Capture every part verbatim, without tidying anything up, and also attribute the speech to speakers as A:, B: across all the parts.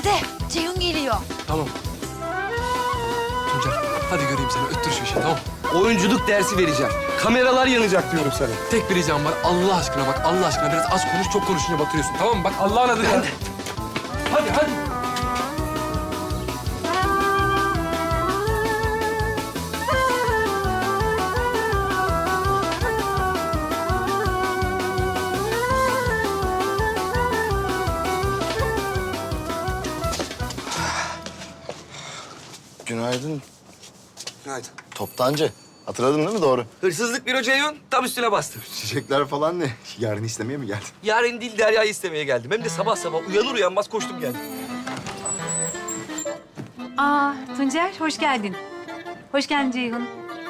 A: Hadi Ceyhun geliyor.
B: Tamam. Tuncer hadi göreyim seni. Öttür şu işi tamam.
C: Oyunculuk dersi vereceğim. Kameralar yanacak diyorum sana.
B: Tek bir ricam var. Allah aşkına bak Allah aşkına biraz az konuş. Çok konuşunca batırıyorsun tamam mı? Bak Allah'ın adıyla. Hadi. Hadi hadi.
D: Günaydın.
B: Günaydın.
D: Toptancı. Hatırladın değil mi doğru?
C: Hırsızlık büro Ceyhun tam üstüne bastım.
D: Çiçekler falan ne? Yarın istemeye mi geldin?
C: Yarın değil Derya'yı istemeye geldim. Hem de sabah sabah uyanır uyanmaz koştum geldim.
A: Aa Tuncer hoş geldin. Hoş geldin Ceyhun.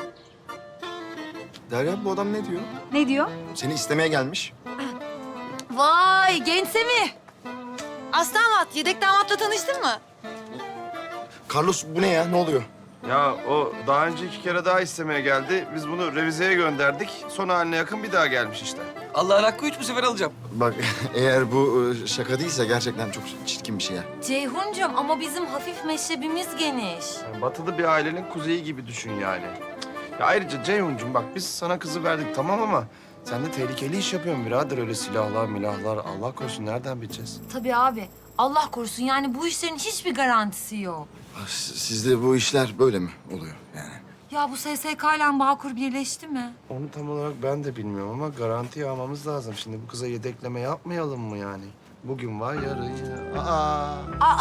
D: Derya bu adam ne diyor?
A: Ne diyor?
D: Seni istemeye gelmiş.
A: Vay gençse mi? Aslı damat, yedek damatla tanıştın mı?
D: Carlos bu ne ya? Ne oluyor?
E: Ya o daha önce iki kere daha istemeye geldi. Biz bunu revizeye gönderdik. Son haline yakın bir daha gelmiş işte.
C: Allah'ın hakkı üç bu sefer alacağım.
D: Bak eğer bu e, şaka değilse gerçekten çok çirkin bir şey ya.
A: Ceyhuncum ama bizim hafif meşrebimiz geniş.
E: Yani batılı bir ailenin kuzeyi gibi düşün yani. Ya ayrıca Ceyhun'cum bak biz sana kızı verdik tamam ama sen de tehlikeli iş yapıyorsun birader. Öyle silahlar milahlar Allah korusun nereden bileceğiz?
A: Tabii abi. Allah korusun yani bu işlerin hiçbir garantisi yok.
D: Ah, s- Sizde bu işler böyle mi oluyor yani?
A: Ya bu S S K ile Bağkur birleşti mi?
E: Onu tam olarak ben de bilmiyorum ama garantiye almamız lazım. Şimdi bu kıza yedekleme yapmayalım mı yani? Bugün var yarın ya. Aa.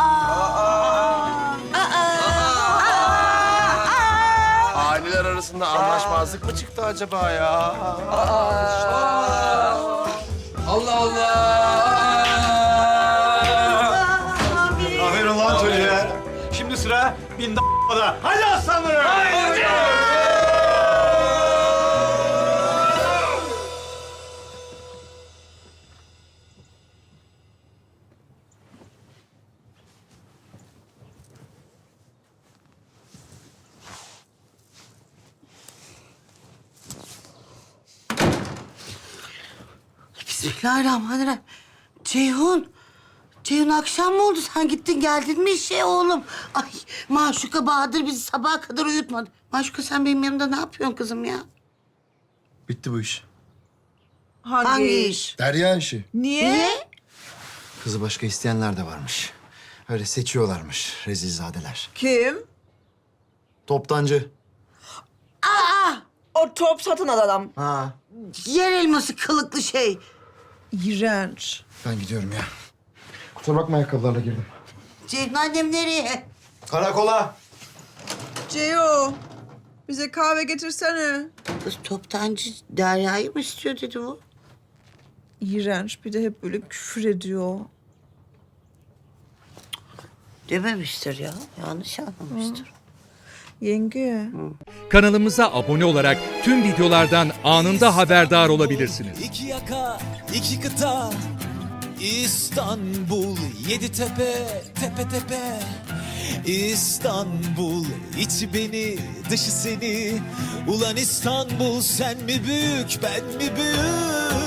E: Aileler arasında anlaşmazlık mı çıktı acaba ya?
C: Allah Allah.
F: Aferin lan çocuğa. Şimdi sıra bin da***da. Hadi aslanlarım.
G: Bismillahirrahmanirrahim. Ceyhun. Ceyhun akşam mı oldu? Sen gittin geldin mi işe oğlum? Ay Maşuka Bahadır bizi sabaha kadar uyutmadı. Maşuka sen benim yanımda ne yapıyorsun kızım ya?
D: Bitti bu iş.
H: Hangi,
G: Hangi
H: iş?
D: Derya işi.
H: Niye?
G: Niye?
D: Kızı başka isteyenler de varmış. Öyle seçiyorlarmış rezilzadeler.
H: Kim?
D: Toptancı.
H: O top satın alan adam.
D: Ha.
G: Yer elması kılıklı şey.
H: İğrenç.
D: Ben gidiyorum ya. Kusura bakma ayakkabılarla girdim.
G: Ceyhun annem nereye?
D: Karakola.
H: Ceo, bize kahve getirsene.
G: Kız toptancı Derya'yı mı istiyor dedi bu?
H: İğrenç. Bir de hep böyle küfür ediyor.
G: Dememiştir ya. Yanlış anlamıştır.
H: Yenge.
I: Kanalımıza abone olarak tüm videolardan anında haberdar olabilirsiniz.
J: İki yaka, iki kıta, İstanbul, yedi tepe, tepe tepe. İstanbul, içi beni, dışı seni. Ulan İstanbul, sen mi büyük, ben mi büyük?